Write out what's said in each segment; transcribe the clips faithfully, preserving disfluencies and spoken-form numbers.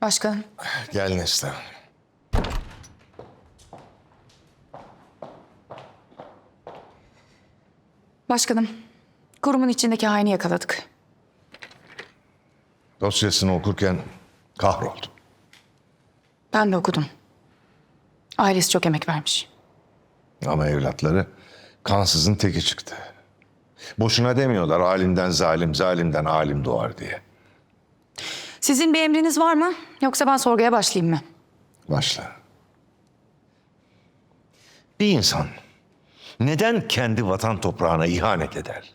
Başkanım. Gel Neslihan. Başkanım, kurumun içindeki haini yakaladık. Dosyasını okurken kahroldum. Ben de okudum. Ailesi çok emek vermiş. Ama evlatları kansızın teki çıktı. Boşuna demiyorlar alimden zalim, zalimden alim doğar diye. Sizin bir emriniz var mı? Yoksa ben sorguya başlayayım mı? Başla. Bir insan neden kendi vatan toprağına ihanet eder?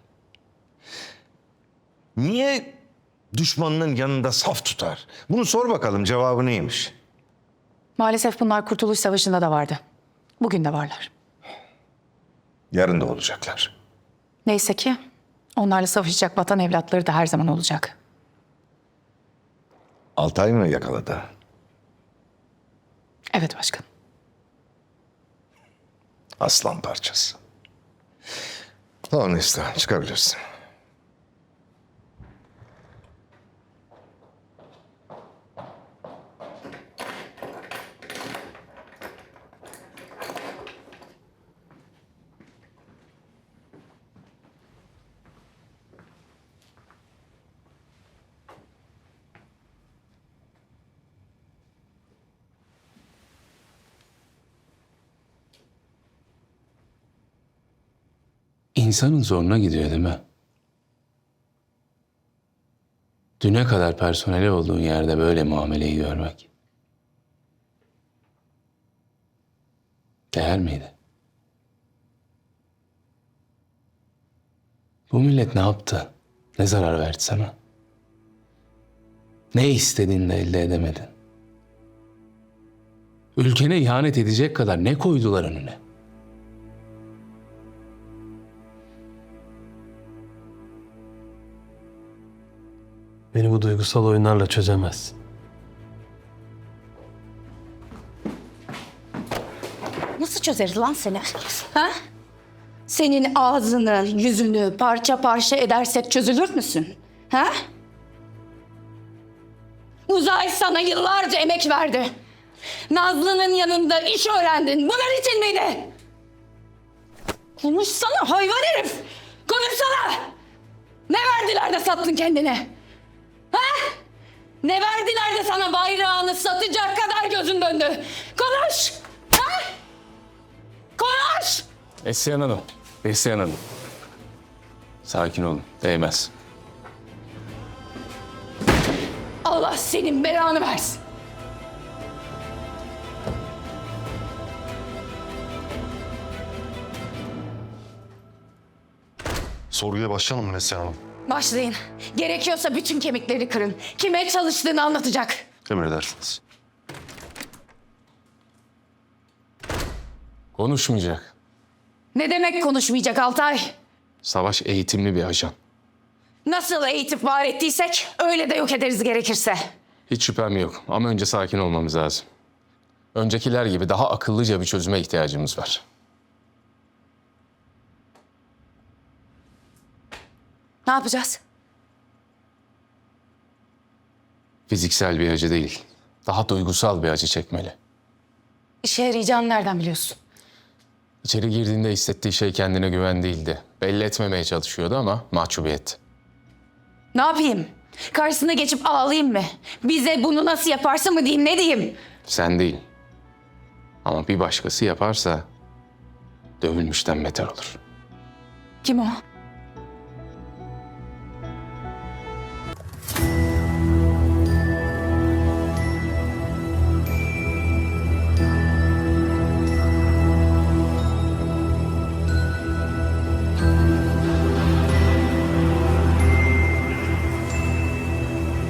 Niye düşmanının yanında saf tutar? Bunu sor bakalım, cevabı neymiş? Maalesef bunlar Kurtuluş Savaşı'nda da vardı. Bugün de varlar. Yarın da olacaklar. Neyse ki onlarla savaşacak vatan evlatları da her zaman olacak. Altay mı yakaladı? Evet başkanım. Aslan parçası. Tamam Neslihan, çıkabilirsin. İnsanın zoruna gidiyor değil mi? Düne kadar personeli olduğun yerde böyle muameleyi görmek. Değer miydi? Bu millet ne yaptı? Ne zarar verdi sana? Ne istediğini de elde edemedin? Ülkene ihanet edecek kadar ne koydular önüne? Beni bu duygusal oyunlarla çözemez. Nasıl çözeriz lan seni? Ha? Senin ağzını, yüzünü parça parça edersek çözülür müsün? Ha? Uzay sana yıllarca emek verdi. Nazlı'nın yanında iş öğrendin. Bunun için miydi? Konuşsana hayvan herif! Konuşsana! Ne verdiler de sattın kendini? Ha? Ne verdiler de sana bayrağını satacak kadar gözün döndü? Konuş! Ha? Konuş! Neslihan Hanım, Neslihan Hanım. Sakin olun, değmez. Allah senin belanı versin. Sorguya başlayalım mı Neslihan Hanım? Başlayın. Gerekiyorsa bütün kemikleri kırın. Kime çalıştığını anlatacak. Emredersiniz. Konuşmayacak. Ne demek konuşmayacak Altay? Savaş eğitimli bir ajan. Nasıl eğitip var ettiysek öyle de yok ederiz gerekirse. Hiç şüphem yok ama önce sakin olmamız lazım. Öncekiler gibi daha akıllıca bir çözüme ihtiyacımız var. Ne yapacağız? Fiziksel bir acı değil, daha duygusal bir acı çekmeli. İşe yarayacağını nereden biliyorsun? İçeri girdiğinde hissettiği şey kendine güven değildi. Belli etmemeye çalışıyordu ama mahcubiyet. Ne yapayım? Karşısına geçip ağlayayım mı? Bize bunu nasıl yaparsın mı diyeyim, ne diyeyim? Sen değil. Ama bir başkası yaparsa dövülmüşten beter olur. Kim o?